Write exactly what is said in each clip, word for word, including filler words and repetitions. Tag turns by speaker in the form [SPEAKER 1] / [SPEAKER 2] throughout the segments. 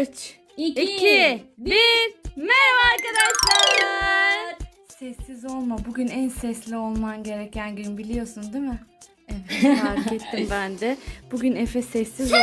[SPEAKER 1] üç, iki, bir. Merhaba arkadaşlar. Sessiz olma. Bugün en sesli olman gereken gün, biliyorsun değil mi? Evet, fark ettim ben de. Bugün Efe sessiz ol.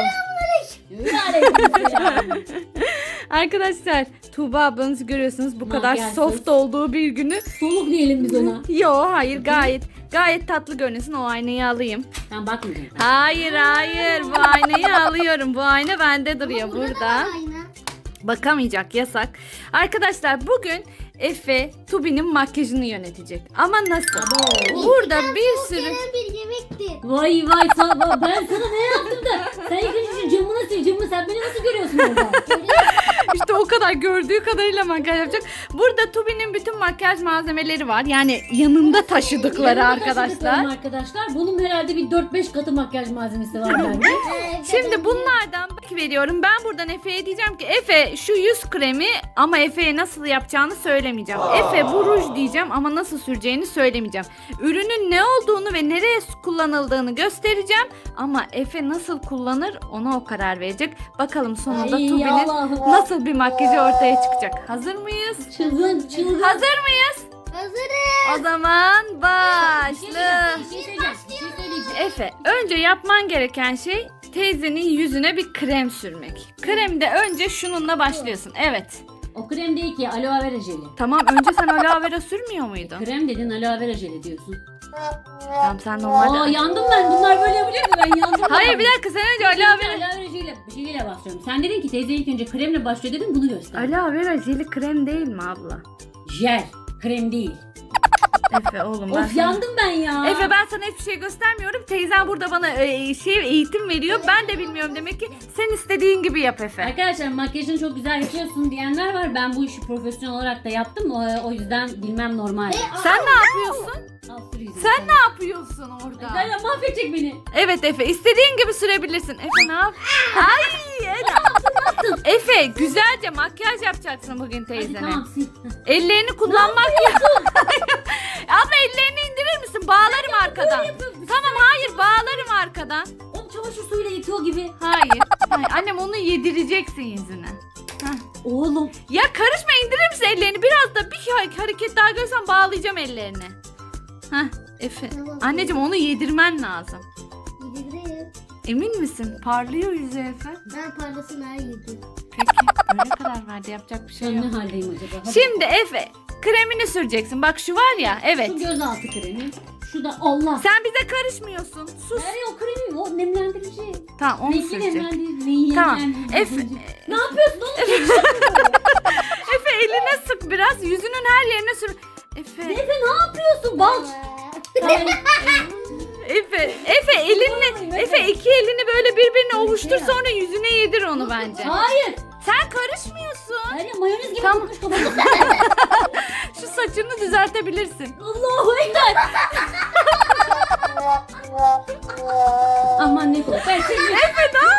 [SPEAKER 1] Arkadaşlar, Tuğba ablanızı görüyorsunuz. Bu kadar
[SPEAKER 2] Makyajsız.
[SPEAKER 1] soft olduğu bir günü.
[SPEAKER 2] Soluk diyelim biz ona.
[SPEAKER 1] Yo, hayır, gayet gayet tatlı görünüyorsun. O aynayı alayım.
[SPEAKER 2] Ben bakmayacağım.
[SPEAKER 1] Hayır hayır, bu aynayı alıyorum. Bu ayna bende duruyor burada. Bakamayacak, yasak. Arkadaşlar, bugün Efe Tubi'nin makyajını yönetecek. Ama nasıl?
[SPEAKER 2] Abo.
[SPEAKER 1] Burada bir sürü...
[SPEAKER 3] bir yemekti.
[SPEAKER 2] Vay vay sa- ben sana ne yaptım da sen ilk önce şu camını sil camını sen beni nasıl görüyorsun orada?
[SPEAKER 1] İşte o kadar, gördüğü kadarıyla makyaj yapacak. Burada Tubi'nin bütün makyaj malzemeleri var. Yani yanında taşıdıkları
[SPEAKER 2] Yanımda
[SPEAKER 1] arkadaşlar.
[SPEAKER 2] taşıdıklarım arkadaşlar. Bunun herhalde bir dört beş katı makyaj malzemesi var bende.
[SPEAKER 1] Şimdi bunlardan bak veriyorum. Ben buradan Efe'ye diyeceğim ki Efe şu yüz kremi, ama Efe'ye nasıl yapacağını söylemeyeceğim. Efe bu ruj diyeceğim ama nasıl süreceğini söylemeyeceğim. Ürünün ne olduğunu ve nereye kullanıldığını göstereceğim. Ama Efe nasıl kullanır, ona o karar verecek. Bakalım sonunda
[SPEAKER 2] Ay,
[SPEAKER 1] Tubi'nin
[SPEAKER 2] Allah'ım.
[SPEAKER 1] nasıl bir makyajı ortaya çıkacak. Hazır mıyız?
[SPEAKER 2] Çılgın çılgın.
[SPEAKER 1] Hazır mıyız?
[SPEAKER 3] Hazırım.
[SPEAKER 1] O zaman
[SPEAKER 2] Bir şey
[SPEAKER 1] başla.
[SPEAKER 2] söyleyeceğim, bir şey söyleyeceğim, bir şey söyleyeceğim.
[SPEAKER 1] Efe, önce yapman gereken şey teyzenin yüzüne bir krem sürmek. Kremde önce şununla başlıyorsun. Evet.
[SPEAKER 2] O krem değil ki aloe vera jeli.
[SPEAKER 1] Tamam, önce sen aloe vera sürmüyor muydun?
[SPEAKER 2] Krem dedin aloe vera jeli diyorsun.
[SPEAKER 1] Tamam, sen normalde...
[SPEAKER 2] Aa yandım ben, bunlar böyle yapacak mı, ben yandım.
[SPEAKER 1] Hayır, bir dakika, sen önce aloe
[SPEAKER 2] Aloe
[SPEAKER 1] vera...
[SPEAKER 2] vera jeliyle, jeliyle başlıyorum. Sen dedin ki teyze ilk önce kremle başlıyor dedin, bunu göster.
[SPEAKER 1] Aloe vera jeli krem değil mi abla?
[SPEAKER 2] Jel, krem değil.
[SPEAKER 1] Efe oğlum, ben
[SPEAKER 2] Of
[SPEAKER 1] sana...
[SPEAKER 2] yandım ben ya.
[SPEAKER 1] Efe, ben sana hiçbir şey göstermiyorum. Teyzen burada bana e, şey eğitim veriyor. Ben de bilmiyorum, demek ki sen istediğin gibi yap Efe.
[SPEAKER 2] Arkadaşlar makyajını çok güzel yapıyorsun diyenler var. Ben bu işi profesyonel olarak da yaptım. O, o yüzden bilmem normal.
[SPEAKER 1] Sen ne yapıyorsun?
[SPEAKER 2] Al, sür yüzünü.
[SPEAKER 1] Sen ne yapıyorsun orada?
[SPEAKER 2] Arkadaşlar mahvedecek beni.
[SPEAKER 1] Evet Efe, istediğin gibi sürebilirsin. Efe ne yap? Ay Ela. Efe, güzelce makyaj yapacaksın bugün
[SPEAKER 2] Hadi
[SPEAKER 1] teyzene.
[SPEAKER 2] tamam sil.
[SPEAKER 1] Ellerini kullanmak yok. Abla, ellerini indirir misin? Bağlarım arkadan. Tamam, hayır, bağlarım arkadan.
[SPEAKER 2] O çamaşır suyuyla yıkıyor gibi.
[SPEAKER 1] Hayır. Hayır. Annem, onu yedireceksin yüzüne. Heh.
[SPEAKER 2] Oğlum.
[SPEAKER 1] Ya karışma, indirir misin ellerini? Biraz da bir hareket daha görsem bağlayacağım ellerini. Heh, Efe.
[SPEAKER 3] Tamam.
[SPEAKER 1] Anneciğim, onu yedirmen lazım.
[SPEAKER 3] Yedireyim.
[SPEAKER 1] Emin misin? Parlıyor yüzü Efe.
[SPEAKER 3] Ben parlasın her yedim.
[SPEAKER 1] Peki, öyle karar verdi. Yapacak bir şey
[SPEAKER 2] Ben
[SPEAKER 1] yok.
[SPEAKER 2] ne haldeyim acaba? Hadi.
[SPEAKER 1] Şimdi Efe, kremini süreceksin. Bak şu var ya, evet.
[SPEAKER 2] Şu gözaltı kremi. Şu da Allah.
[SPEAKER 1] Sen bize karışmıyorsun. Sus.
[SPEAKER 2] Nereye o kremi? O nemlendirici.
[SPEAKER 1] Tamam, onu
[SPEAKER 2] Renkli
[SPEAKER 1] sürecek.
[SPEAKER 2] nemlendirici.
[SPEAKER 1] Tamam.
[SPEAKER 2] nemlendirici.
[SPEAKER 1] Efe,
[SPEAKER 2] Ne yapıyorsun oğlum?
[SPEAKER 1] Efe eline sık biraz. Yüzünün her yerine sür. Efe,
[SPEAKER 2] Efe ne yapıyorsun? Bal. Ay,
[SPEAKER 1] Efe, Efe elinle,
[SPEAKER 2] Ay,
[SPEAKER 1] Efe
[SPEAKER 2] Efe.
[SPEAKER 1] iki elini böyle birbirine ovuştur,
[SPEAKER 2] ya.
[SPEAKER 1] sonra yüzüne yedir onu bence.
[SPEAKER 2] Hayır.
[SPEAKER 1] Sen karışmıyorsun.
[SPEAKER 2] Hayır mayonez gibi
[SPEAKER 1] Tamam.
[SPEAKER 2] tutmuş kafamı.
[SPEAKER 1] Şu saçını düzeltebilirsin.
[SPEAKER 2] Allahu ekber. Aman ne kork. Ben seni
[SPEAKER 1] Efe ne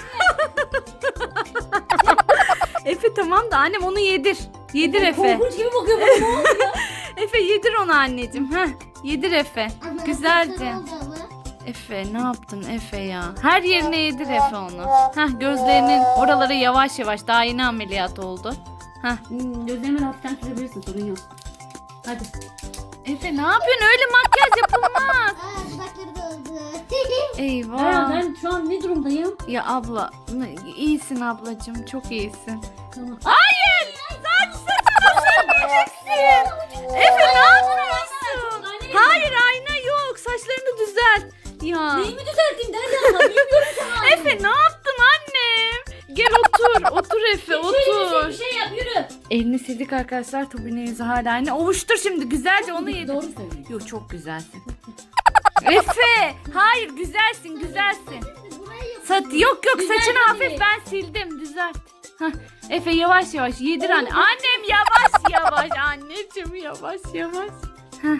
[SPEAKER 1] Efe tamam da annem, onu yedir. Yedir Efe.
[SPEAKER 2] korkunç gibi bakıyor bana. Ne oldu ya?
[SPEAKER 1] Efe yedir onu anneciğim. Heh, yedir Efe.
[SPEAKER 3] Ama
[SPEAKER 1] Güzelce.
[SPEAKER 3] saçlar oldu ama.
[SPEAKER 1] Efe ne yaptın Efe ya? Her yerine yedir Efe onu. Heh, gözlerinin oraları yavaş yavaş, daha yeni ameliyat oldu. Heh.
[SPEAKER 2] Hmm, gözlerimi hafiften sürebilirsin, sorun yok. Hadi.
[SPEAKER 1] Efe ne yapıyorsun? Öyle makyaj yapılmaz.
[SPEAKER 3] Aa, dudakları da oldu.
[SPEAKER 2] Ya
[SPEAKER 1] Eyvah.
[SPEAKER 2] ben şu an ne durumdayım?
[SPEAKER 1] Ya abla, ne- iyisin ablacığım, çok iyisin.
[SPEAKER 2] Tamam.
[SPEAKER 1] Hayır! Saç saçını sürmeyeceksin. Efe ne yapıyorsun? Hayır, ayna yok. Saçlarını düzelt. Ya.
[SPEAKER 2] Neyimi düzelteyim derdi Allah. Bilmiyorum sana.
[SPEAKER 1] Efe ne yaptın annem? Gel otur. Otur Efe,
[SPEAKER 2] Şöyle
[SPEAKER 1] otur.
[SPEAKER 2] bir şey, bir şey yap yürü.
[SPEAKER 1] Elini sildik arkadaşlar. Tubi'nin yüzü hala aynı. Ovuştur şimdi güzelce, onu yedir.
[SPEAKER 2] Doğru söylüyorsun.
[SPEAKER 1] Yok, çok güzelsin. Efe, hayır, güzelsin, güzelsin.
[SPEAKER 3] Burayı yap.
[SPEAKER 1] Sat yok yok,
[SPEAKER 2] Güzel
[SPEAKER 1] saçını
[SPEAKER 2] tabii.
[SPEAKER 1] hafif ben sildim, düzelt. Hah, Efe yavaş yavaş yedir anne. Annem yavaş yavaş, anneciğim yavaş yavaş. Hah.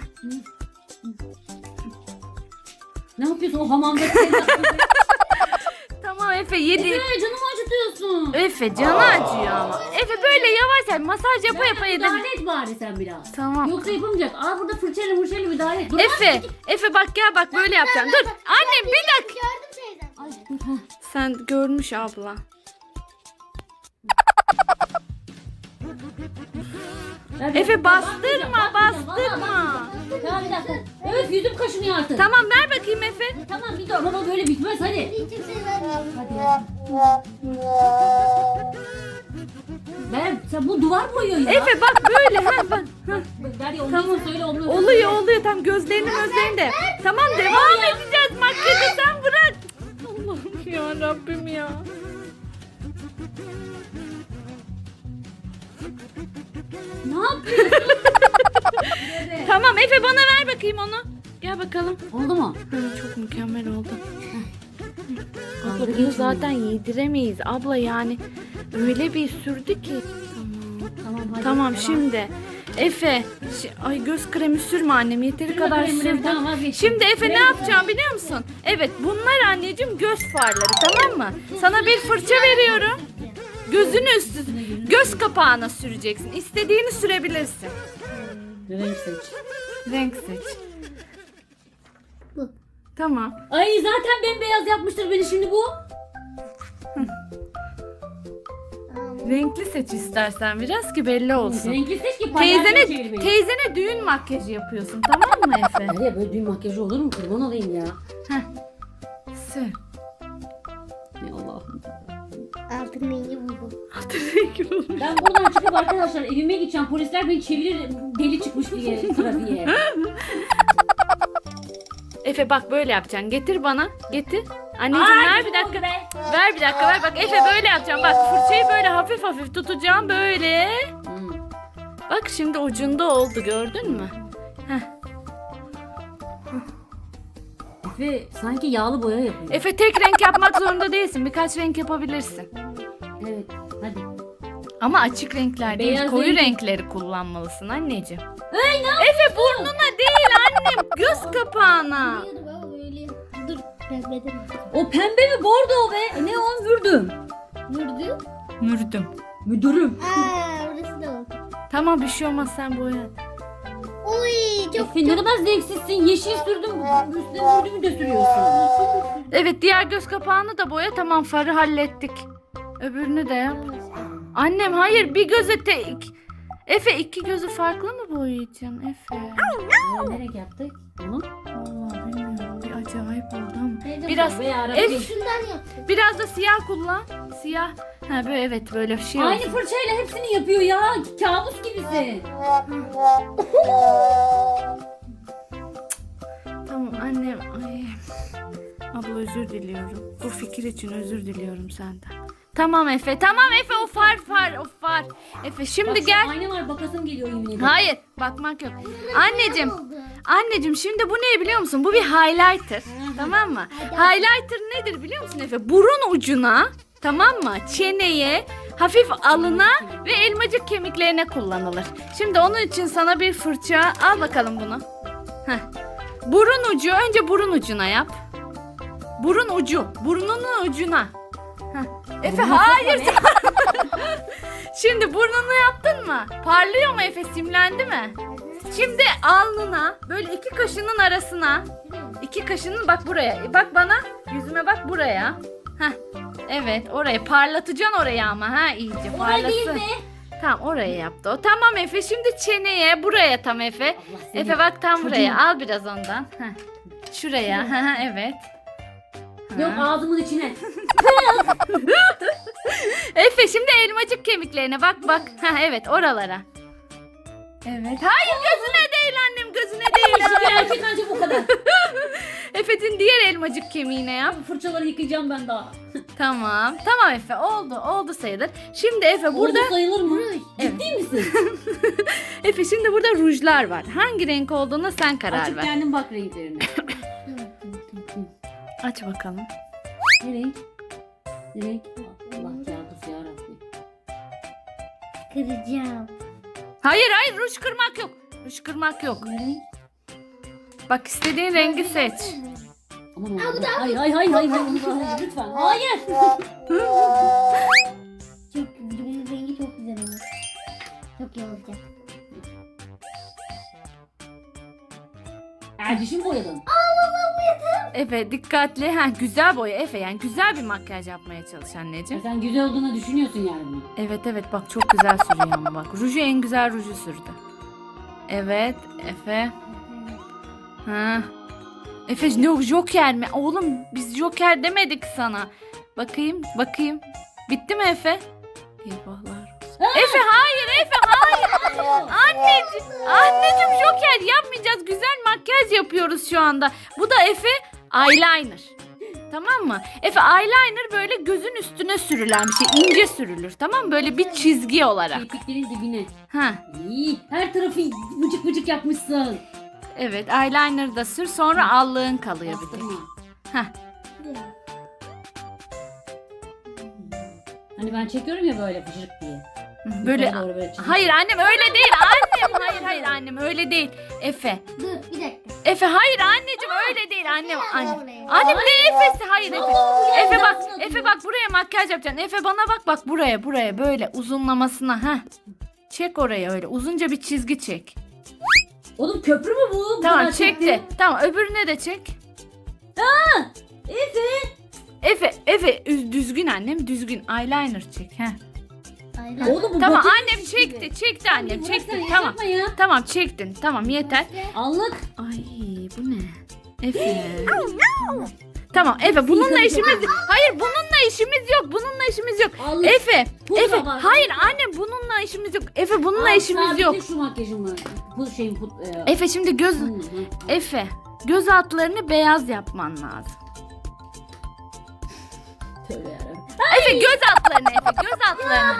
[SPEAKER 2] Ne yapıyorsun o hamamda? Sen
[SPEAKER 1] Tamam Efe, yedi.
[SPEAKER 2] Efe canımı acıtıyorsun.
[SPEAKER 1] Efe canı acıyor ama. Efe böyle yavaş yavaş masaj yapa yapa yedir.
[SPEAKER 2] Müdahale et bari sen biraz.
[SPEAKER 1] Tamam.
[SPEAKER 2] Yoksa yapamayacak. Aa burada fırçayla fırçayla müdahale et. Dur,
[SPEAKER 1] Efe, Efe bak gel bak, böyle yapacaksın. Dur annem, bir dakika.
[SPEAKER 3] Gördüm teyzem.
[SPEAKER 2] Ay, dur, ha.
[SPEAKER 1] Sen görmüş abla.
[SPEAKER 2] Ver bir
[SPEAKER 1] Efe
[SPEAKER 2] dakika.
[SPEAKER 1] bastırma
[SPEAKER 2] Bakmayacağım,
[SPEAKER 1] bastırma.
[SPEAKER 2] Ya bir dakika. Öf yüzüm kaşınıyor artık.
[SPEAKER 1] Tamam ver bakayım Efe.
[SPEAKER 2] Tamam bir dur ama böyle bitmez hadi.
[SPEAKER 3] Hiçbir şey vermiyorum.
[SPEAKER 2] Hadi. Ben sen bu duvar boyuyor ya.
[SPEAKER 1] Efe bak böyle ha bak. Ha.
[SPEAKER 2] Derya onu
[SPEAKER 1] Tamam.
[SPEAKER 2] söyle onu.
[SPEAKER 1] Oluyor oluyor tam gözlerini gözlerini de. Tamam devam edeceğiz makyajı sen bırak. Allah'ım ya Rabbim ya.
[SPEAKER 2] Ne yapıyorsun?
[SPEAKER 1] Tamam Efe bana ver bakayım onu. Gel bakalım.
[SPEAKER 2] Oldu mu?
[SPEAKER 1] Hı, çok mükemmel oldu.
[SPEAKER 2] Abla
[SPEAKER 1] Abla bunu zaten yediremeyiz abla yani. Öyle bir sürdü ki.
[SPEAKER 2] Tamam hadi.
[SPEAKER 1] Tamam
[SPEAKER 2] devam.
[SPEAKER 1] şimdi Efe. şi- Ay göz kremi sürme annem yeteri
[SPEAKER 2] Sürme
[SPEAKER 1] kadar
[SPEAKER 2] kremi,
[SPEAKER 1] sürdü.
[SPEAKER 2] tamam, vazgeçtim.
[SPEAKER 1] Şimdi Efe ne
[SPEAKER 2] Kremi
[SPEAKER 1] yapacağım biliyor musun? Evet bunlar anneciğim göz farları tamam mı? Sana bir fırça veriyorum. Gözünü üstü göz kapağına süreceksin. İstediğini sürebilirsin.
[SPEAKER 2] Renk seç.
[SPEAKER 1] Renk seç.
[SPEAKER 3] Bu.
[SPEAKER 1] Tamam.
[SPEAKER 2] Ay zaten bembeyaz yapmıştır beni şimdi bu.
[SPEAKER 1] Renkli seç istersen biraz ki belli olsun.
[SPEAKER 2] Renkli seç ki palyaço
[SPEAKER 1] Teyzene,
[SPEAKER 2] çevir beni.
[SPEAKER 1] teyzene düğün makyajı yapıyorsun tamam mı Efe?
[SPEAKER 2] Derya böyle düğün makyajı olur mu? Kurban olayım ya.
[SPEAKER 1] Sür.
[SPEAKER 2] Ey Allah'ım.
[SPEAKER 3] Altın rengi bu.
[SPEAKER 2] Ben buradan çıkıp arkadaşlar evime gideceğim. Polisler beni çevirir deli çıkmış diye trafiğe.
[SPEAKER 1] Efe bak böyle yapacaksın. Getir bana. Getir. Anneciğim
[SPEAKER 2] Ay,
[SPEAKER 1] ver bir
[SPEAKER 2] ne
[SPEAKER 1] dakika.
[SPEAKER 2] oldu be?
[SPEAKER 1] Ver bir dakika ver. Bak Efe böyle yapacağım. Bak fırçayı böyle hafif hafif tutacağım böyle.
[SPEAKER 2] Hmm.
[SPEAKER 1] Bak şimdi ucunda oldu gördün mü? Heh.
[SPEAKER 2] Efe sanki yağlı boya yapıyor.
[SPEAKER 1] Efe tek renk yapmak zorunda değilsin. Birkaç renk yapabilirsin.
[SPEAKER 2] Evet hadi.
[SPEAKER 1] Ama açık renkler değil.
[SPEAKER 2] Beyaz
[SPEAKER 1] Koyu
[SPEAKER 2] renk.
[SPEAKER 1] renkleri kullanmalısın anneciğim.
[SPEAKER 2] Ay ne
[SPEAKER 1] Efe burnuna değil annem. Göz kapağına.
[SPEAKER 3] Hayır baba böyle. Dur pembeden.
[SPEAKER 2] O pembe mi bordo be? Ne o mürdüm?
[SPEAKER 3] Vurdu.
[SPEAKER 1] Mürdüm.
[SPEAKER 2] Müdürüm.
[SPEAKER 3] Aa orası da oldu.
[SPEAKER 1] Tamam bir şey olmaz sen boya.
[SPEAKER 3] Oy çok
[SPEAKER 2] Efe ne kadar zevksizsin. Yeşil sürdüm. Üstüne mürdümü de sürüyorsun.
[SPEAKER 1] Evet diğer göz kapağını da boya. Tamam farı hallettik. Öbürünü de yap. Annem hayır bir göze tek. Efe iki gözü farklı mı boyayacaksın Efe?
[SPEAKER 2] Ee, ne renk yaptık? Onu.
[SPEAKER 1] Vallahi bilmiyorum bir acayip oldu ama.
[SPEAKER 3] Teyze,
[SPEAKER 1] Biraz
[SPEAKER 2] Veya arada
[SPEAKER 1] Ef-
[SPEAKER 2] bir-
[SPEAKER 3] şundan yaptım.
[SPEAKER 1] biraz da siyah kullan. Siyah. Ha böyle evet böyle bir şey
[SPEAKER 2] Aynı
[SPEAKER 1] olsun.
[SPEAKER 2] fırçayla hepsini yapıyor ya. Kabus gibisin.
[SPEAKER 1] Tamam annem. Ay. Abla özür diliyorum. Bu fikir için özür diliyorum senden. Tamam Efe. Tamam Efe o far far o far. Efe şimdi
[SPEAKER 2] Bak, şu
[SPEAKER 1] gel.
[SPEAKER 2] Ayna var bakasım geliyor yemin ederim.
[SPEAKER 1] Hayır bakmak yok. Anneciğim.
[SPEAKER 3] Oldu.
[SPEAKER 1] Anneciğim şimdi bu ne biliyor musun? Bu bir highlighter. Tamam mı? Highlighter nedir biliyor musun Efe? Burun ucuna tamam mı? Çeneye, hafif alına ve elmacık kemiklerine kullanılır. Şimdi onun için sana bir fırça al bakalım bunu. Heh. Burun ucu önce burun ucuna yap. Burun ucu. Burnunun ucuna. Heh. Efe
[SPEAKER 2] Burnuna
[SPEAKER 1] hayır.
[SPEAKER 2] sokma
[SPEAKER 1] Şimdi burnunu yaptın mı? Parlıyor mu Efe? Simlendi mi? Şimdi alnına böyle iki kaşının arasına iki kaşının bak buraya bak bana yüzüme bak buraya. Heh. Evet oraya parlatacaksın orayı ama ha iyice
[SPEAKER 2] Oraya değil
[SPEAKER 1] parlasın.
[SPEAKER 2] be.
[SPEAKER 1] Tamam oraya yaptı o. Tamam Efe şimdi çeneye buraya tam Efe.
[SPEAKER 2] Allah seni.
[SPEAKER 1] Efe bak tam
[SPEAKER 2] Çocuğum.
[SPEAKER 1] buraya al biraz ondan. Heh. Şuraya ha evet.
[SPEAKER 2] Yok
[SPEAKER 1] Ha.
[SPEAKER 2] ağzımın içine.
[SPEAKER 1] Efe şimdi elmacık kemiklerine bak bak. Ha evet oralara. Evet. Hayır gözüne değil annem gözüne değil.
[SPEAKER 2] Şu bir erkek ancak bu kadar.
[SPEAKER 1] Efe'nin diğer elmacık kemiğine yap.
[SPEAKER 2] Fırçaları yıkayacağım ben daha.
[SPEAKER 1] Tamam. Tamam Efe oldu. Oldu sayılır. Şimdi Efe burada
[SPEAKER 2] Burada sayılır mı?
[SPEAKER 1] Evet.
[SPEAKER 2] Ciddi misin?
[SPEAKER 1] Efe şimdi burada rujlar var. Hangi renk olduğuna sen karar
[SPEAKER 2] Açıp
[SPEAKER 1] ver.
[SPEAKER 2] kendin bak renklerine.
[SPEAKER 1] Aç bakalım.
[SPEAKER 2] Ne renk? Ne renk? Allah yardımcısı yarabbim.
[SPEAKER 3] Kıracağım.
[SPEAKER 1] Hayır hayır ruj kırmak yok. Ruj kırmak yok.
[SPEAKER 2] Ne renk?
[SPEAKER 1] Bak istediğin rengi seç.
[SPEAKER 2] Aman Allah'ım. Hayır hayır hayır hayır hayır hayır lütfen. Hayır.
[SPEAKER 3] Çok bunun rengi çok güzel olur. Çok iyi olacak.
[SPEAKER 2] Erdişim boyadın.
[SPEAKER 3] Aa baba bu yeter.
[SPEAKER 1] Efe dikkatli. Ha, güzel boya Efe, yani güzel bir makyaj yapmaya çalış anneciğim.
[SPEAKER 2] Sen güzel olduğunu düşünüyorsun yani bunu.
[SPEAKER 1] Evet evet bak çok güzel sürüyor ama bak. Ruju en güzel ruju sürdü. Evet Efe. Ha. Efe ne Joker mi? Oğlum biz Joker demedik sana. Bakayım bakayım. Bitti mi Efe? Eyvahlar. Efe hayır Efe hayır. Anneciğim, anneciğim Joker yapmayacağız. Güzel makyaj yapıyoruz şu anda. Bu da Efe eyeliner. Tamam mı? Efe eyeliner böyle gözün üstüne sürülen bir şey. İnce sürülür, tamam mı? Böyle bir çizgi olarak.
[SPEAKER 2] Kirpiklerin dibine.
[SPEAKER 1] Ha.
[SPEAKER 2] İyi. Her tarafı vıcık vıcık yapmışsın.
[SPEAKER 1] Evet, eyeliner da sür. Sonra allığın kalıyor bir tek.
[SPEAKER 2] Bastırma.
[SPEAKER 1] Hah.
[SPEAKER 2] Hani ben çekiyorum ya böyle fışırık diye.
[SPEAKER 1] Böyle.
[SPEAKER 2] Yukarı doğru böyle çizgi.
[SPEAKER 1] Hayır annem öyle değil. Annem hayır hayır annem öyle değil. Efe.
[SPEAKER 3] Dur bir dakika.
[SPEAKER 1] Efe hayır anneciğim öyle değil annem. Annem.
[SPEAKER 3] Oraya.
[SPEAKER 1] Annem ne Efe'si? Hayır Efe.
[SPEAKER 2] ya?
[SPEAKER 1] Efe bak,
[SPEAKER 2] Nasıl
[SPEAKER 1] Efe bak buraya makyaj yapacaksın. Efe bana bak bak buraya buraya böyle uzunlamasına ha. Çek oraya öyle uzunca bir çizgi çek.
[SPEAKER 2] Oğlum köprü mü bu? Bu
[SPEAKER 1] Tamam
[SPEAKER 2] kadar
[SPEAKER 1] çekti.
[SPEAKER 2] çekti.
[SPEAKER 1] Tamam öbürüne de çek.
[SPEAKER 2] Efe.
[SPEAKER 1] Efe Efe üz- düzgün annem düzgün eyeliner çek ha.
[SPEAKER 3] Aynen.
[SPEAKER 2] Oğlum bu
[SPEAKER 1] Tamam
[SPEAKER 2] batık
[SPEAKER 1] annem
[SPEAKER 2] gibi.
[SPEAKER 1] çekti çekti annem
[SPEAKER 2] Bırak
[SPEAKER 1] çekti
[SPEAKER 2] sen,
[SPEAKER 1] tamam.
[SPEAKER 2] yapma ya.
[SPEAKER 1] Tamam çektin tamam yeter.
[SPEAKER 2] Allık.
[SPEAKER 1] Ay bu ne? Efe. Tamam Efe bununla işimiz hayır bununla işimiz yok bununla işimiz yok.
[SPEAKER 2] Allık.
[SPEAKER 1] Efe
[SPEAKER 2] Pudra
[SPEAKER 1] Efe
[SPEAKER 2] var.
[SPEAKER 1] hayır annem bununla işimiz yok. Efe bununla
[SPEAKER 2] Al,
[SPEAKER 1] işimiz
[SPEAKER 2] sabitle
[SPEAKER 1] yok.
[SPEAKER 2] şu makyajımı. Bu şeyin put. E,
[SPEAKER 1] Efe şimdi göz
[SPEAKER 2] hı, hı.
[SPEAKER 1] Efe göz altlarını beyaz yapman lazım.
[SPEAKER 2] Tövbe yarabbim.
[SPEAKER 1] Efe göz altlarını Efe göz altlarını.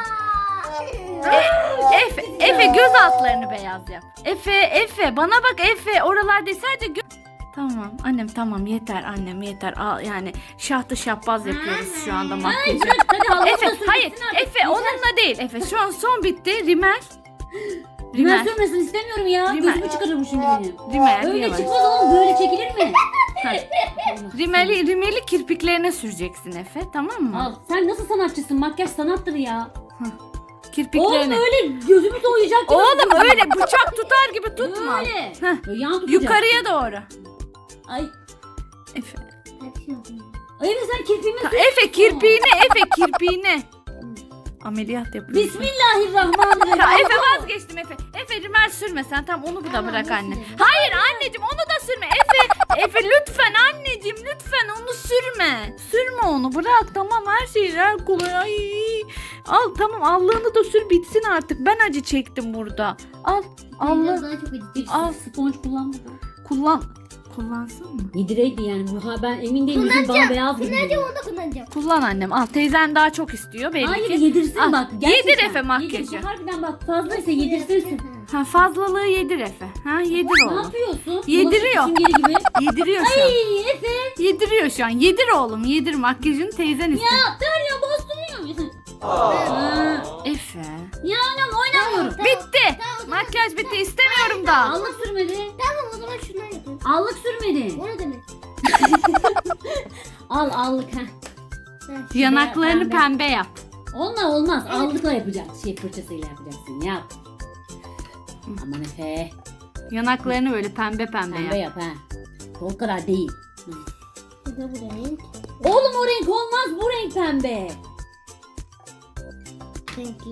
[SPEAKER 1] E- Efe Efe göz altlarını beyaz yap. Efe Efe bana bak Efe oralar değil sadece gö- Tamam annem tamam yeter annem yeter. Al, yani şahtı şapbaz yapıyoruz şu anda makyajı.
[SPEAKER 2] Bırak hadi Allah'ım
[SPEAKER 1] Efe
[SPEAKER 2] da
[SPEAKER 1] hayır
[SPEAKER 2] sürmesin artık.
[SPEAKER 1] Efe onunla değil Efe şu an son bitti rimel.
[SPEAKER 2] Ben
[SPEAKER 1] Rimel.
[SPEAKER 2] sürmesin istemiyorum ya.
[SPEAKER 1] Rimel.
[SPEAKER 2] Gözümü çıkarırım şimdi benim.
[SPEAKER 1] Rimel
[SPEAKER 2] Öyle
[SPEAKER 1] yavaş.
[SPEAKER 2] çıkmaz oğlum, böyle çekilir mi?
[SPEAKER 1] Ha. Rimeli, rimeli kirpiklerine süreceksin Efe tamam mı?
[SPEAKER 2] Al. Sen nasıl sanatçısın? Makyaj sanattır ya. Oğlum
[SPEAKER 1] Kirpiklerine.
[SPEAKER 2] öyle gözümü soğuyacak gibi.
[SPEAKER 1] Oğlum öyle bıçak tutar gibi tutma.
[SPEAKER 2] Öyle.
[SPEAKER 1] Heh.
[SPEAKER 2] Böyle yan tutacak.
[SPEAKER 1] Yukarıya doğru.
[SPEAKER 2] Ay.
[SPEAKER 1] Efe.
[SPEAKER 2] Ay Efe sen kirpiğimi
[SPEAKER 1] Ta-
[SPEAKER 2] sür.
[SPEAKER 1] Efe kirpiğine Efe kirpiğine. Ameliyat yapıyorsun.
[SPEAKER 2] Bismillahirrahmanirrahim.
[SPEAKER 1] Ta, Efe vazgeçtim Efe. Efe rimel sürme sen tamam onu da
[SPEAKER 3] Tamam,
[SPEAKER 1] bırak
[SPEAKER 3] onu
[SPEAKER 1] anne.
[SPEAKER 3] süreyim.
[SPEAKER 1] Hayır anneciğim onu da sürme Efe. Efe lütfen anneciğim lütfen onu sürme. Sürme onu bırak tamam her şey her kolay. Ay. Al tamam allığını da sür bitsin artık. Ben acı çektim burada. Al
[SPEAKER 3] Biraz
[SPEAKER 1] Allah
[SPEAKER 3] daha çok acı.
[SPEAKER 2] Hiç
[SPEAKER 1] Al.
[SPEAKER 2] sponge kullanmadım.
[SPEAKER 1] kullan. Kullansın mı?
[SPEAKER 2] Yedireydi yani. Bu, ha, ben emin değilim. Yüzüm bana beyaz gibi.
[SPEAKER 3] Kullanacağım
[SPEAKER 2] geliyor.
[SPEAKER 3] onu da kullanacağım.
[SPEAKER 1] Kullan annem al teyzen daha çok istiyor belli
[SPEAKER 2] Hayır
[SPEAKER 1] ki.
[SPEAKER 2] yedirsin
[SPEAKER 1] Al,
[SPEAKER 2] bak.
[SPEAKER 1] yedir
[SPEAKER 2] Gerçekten.
[SPEAKER 1] Efe makyajı.
[SPEAKER 2] Yedir. Bu harbiden bak fazlaysa yedirsin.
[SPEAKER 1] Ha fazlalığı yedir Efe. Ha yedir
[SPEAKER 2] Ne
[SPEAKER 1] oğlum.
[SPEAKER 2] yapıyorsun?
[SPEAKER 1] Yediriyor.
[SPEAKER 2] Bulaşık süngeri gibi.
[SPEAKER 1] Yediriyor şu an.
[SPEAKER 2] Ay Efe.
[SPEAKER 1] Yediriyor şu an. Yedir oğlum yedir makyajını teyzen istiyor.
[SPEAKER 2] Ya Derya bastırıyor. Ha.
[SPEAKER 1] Efe.
[SPEAKER 2] Ya anam oynamıyorum.
[SPEAKER 1] Bitti. Makyaj bitti istemiyorum da.
[SPEAKER 2] Allık sürmedi.
[SPEAKER 3] Tamam o zaman şundan yapayım.
[SPEAKER 2] Allık sürmedi.
[SPEAKER 3] O ne demek?
[SPEAKER 2] Al allık ha.
[SPEAKER 3] Ben-
[SPEAKER 1] Yanaklarını
[SPEAKER 2] Pembe.
[SPEAKER 1] pembe yap.
[SPEAKER 2] Onunla olmaz. Allıkla yapacaksın. Şey fırçasıyla yapacaksın. Yap. Aman Efe.
[SPEAKER 1] Yanaklarını böyle pembe pembe
[SPEAKER 2] Pembe
[SPEAKER 1] yap.
[SPEAKER 2] yap ha. O kadar değil.
[SPEAKER 3] Bu da bu renk.
[SPEAKER 2] Oğlum o renk olmaz. Bu renk pembe.
[SPEAKER 3] Renkli.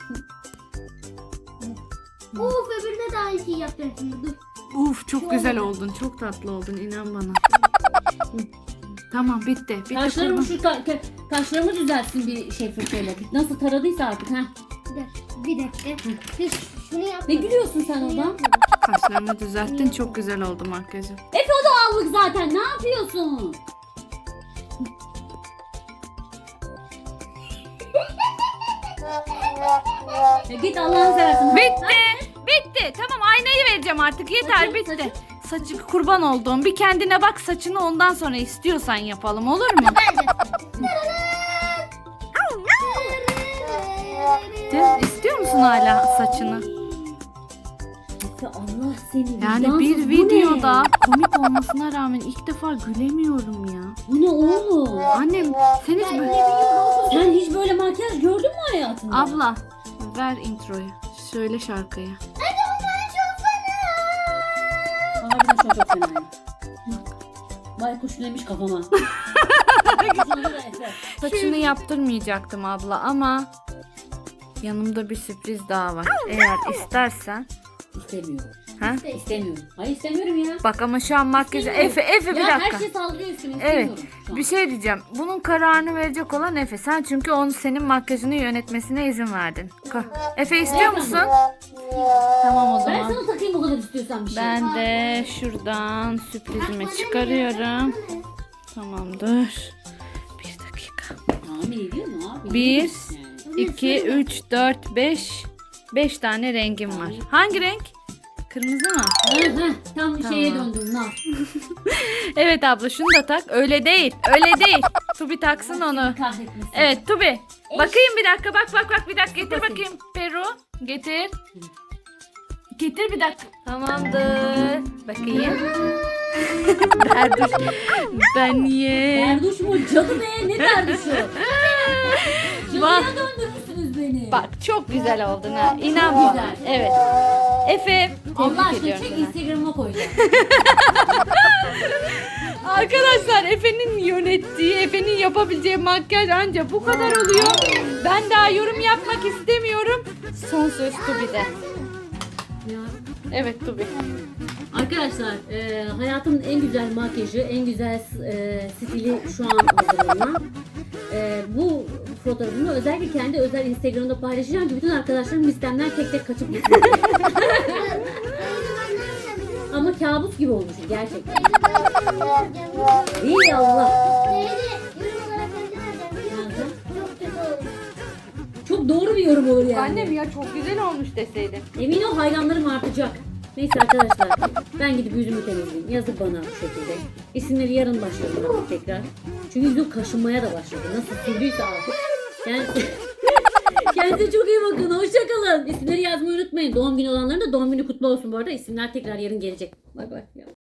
[SPEAKER 3] Of öbürüne de aynı şeyi yapacağım şimdi dur.
[SPEAKER 1] Uf çok
[SPEAKER 3] Şu
[SPEAKER 1] güzel
[SPEAKER 3] oldu.
[SPEAKER 1] oldun. Çok tatlı oldun inan bana. Tamam bitti. Bitti.
[SPEAKER 2] Kaşlarımı
[SPEAKER 1] kurban.
[SPEAKER 2] şu ka- ka- kaşlarımı düzeltsin bir şey fırçayla. Nasıl taradıysa artık ha.
[SPEAKER 3] Bir dakika. Bir dakika. Dur, şunu yap.
[SPEAKER 2] Ne gülüyorsun sen oradan?
[SPEAKER 1] Kaşlarını düzelttin. Çok güzel oldu makyajı.
[SPEAKER 2] Efe o da allık zaten. Ne yapıyorsun? Ya git Allah'ını seversen.
[SPEAKER 1] Bitti. Bitti. Tamam aynayı vereceğim artık. Yeter
[SPEAKER 2] Saçın,
[SPEAKER 1] bitti. Saçı kurban olduğum. Bir kendine bak saçını ondan sonra istiyorsan yapalım olur mu? De, istiyor musun hala saçını?
[SPEAKER 2] Efe Allah seni.
[SPEAKER 1] Yani
[SPEAKER 2] vicdansız,
[SPEAKER 1] bir
[SPEAKER 2] bu
[SPEAKER 1] videoda
[SPEAKER 2] ne?
[SPEAKER 1] komik olmasına rağmen ilk defa gülemiyorum ya.
[SPEAKER 2] Bu ne oğlum?
[SPEAKER 1] Annem sen hiç böyle...
[SPEAKER 2] Sen hiç böyle makyaj gördün mü hayatında?
[SPEAKER 1] Abla ver introyu. Söyle şarkıyı.
[SPEAKER 2] Harbiden şu an çok fena. Baykuş neymiş kafama. Sonra da Efe.
[SPEAKER 1] Saçını yaptırmayacaktım abla ama yanımda bir sürpriz daha var. Eğer istersen.
[SPEAKER 2] İstemiyorum.
[SPEAKER 1] Ha?
[SPEAKER 2] İstemiyorum. Hayır istemiyorum ya.
[SPEAKER 1] Bak ama şu an makyajı.
[SPEAKER 2] İstemiyorum.
[SPEAKER 1] Efe Efe bir
[SPEAKER 2] Ya
[SPEAKER 1] dakika.
[SPEAKER 2] her şey saldırıyor üstüme.
[SPEAKER 1] Evet.
[SPEAKER 2] İstemiyorum şu an.
[SPEAKER 1] Bir şey diyeceğim. Bunun kararını verecek olan Efe. Sen çünkü onun senin makyajını yönetmesine izin verdin. Ka- Efe istiyor
[SPEAKER 2] Evet,
[SPEAKER 1] musun? Tamam o
[SPEAKER 2] Ben
[SPEAKER 1] zaman.
[SPEAKER 2] sana takayım o kadar istiyorsan bir şey.
[SPEAKER 1] Ben de şuradan sürprizimi çıkarıyorum. Tamamdır. Bir dakika.
[SPEAKER 2] Tahmin ediyor mu abi?
[SPEAKER 1] Bir,
[SPEAKER 2] Yani.
[SPEAKER 1] iki, üç, dört, beş. Beş tane rengim var. Hangi renk? Kırmızı mı?
[SPEAKER 2] Hı hı, tam
[SPEAKER 1] Tamam.
[SPEAKER 2] şeye döndüm lan.
[SPEAKER 1] Evet abla şunu da tak. Öyle değil. Öyle değil. Tubi taksın onu.
[SPEAKER 2] Kahretmesin.
[SPEAKER 1] Evet Tubi. Bakayım bir dakika. Bak bak bak bir dakika. Getir
[SPEAKER 2] Bakayım.
[SPEAKER 1] bakayım. Peru. Getir. Getir bir dakika. Tamamdır. Bakayım. Berduş. Ben niye?
[SPEAKER 2] Berduş mu? Cadı be ne berduşu?
[SPEAKER 1] Bak.
[SPEAKER 2] Cadıya döndürmüşsünüz beni.
[SPEAKER 1] Bak çok güzel oldun ha. İnan
[SPEAKER 2] Çok
[SPEAKER 1] bana.
[SPEAKER 2] güzel.
[SPEAKER 1] Evet. Efe.
[SPEAKER 2] Allah
[SPEAKER 1] Tebrik
[SPEAKER 2] aşkına
[SPEAKER 1] ediyorum
[SPEAKER 2] çek
[SPEAKER 1] seni.
[SPEAKER 2] Instagram'a koyacağım.
[SPEAKER 1] Arkadaşlar Efe'nin yönettiği, Efe'nin yapabileceği makyaj ancak bu kadar oluyor. Ben daha yorum yapmak istemiyorum. Son söz Tubi'de.
[SPEAKER 2] Ya.
[SPEAKER 1] Evet Tubi.
[SPEAKER 2] Arkadaşlar e, hayatımın en güzel makyajı, en güzel e, stili şu an hazırlanan. E, bu fotoğrafımı özellikle kendi özel Instagram'da paylaşacağım ki bütün arkadaşlarım listemden tek tek kaçıp gitsin. Ama kabus gibi olmuş gerçekten. İyi Allah. Çok doğru bir yorum olur yani.
[SPEAKER 1] Annem ya çok güzel olmuş deseydin.
[SPEAKER 2] Emin ol hayranlarım artacak. Neyse arkadaşlar ben gidip yüzümü temizleyeyim. Yazık bana bu şekilde. İsimleri yarın başlarım tekrar. Çünkü yüzüm kaşınmaya da başladı. Nasıl sürdüyse artık. Yani kendinize çok iyi bakın. Hoşçakalın. İsimleri yazmayı unutmayın. Doğum günü olanların da doğum günü kutlu olsun bu arada. İsimler tekrar yarın gelecek. Bay bay.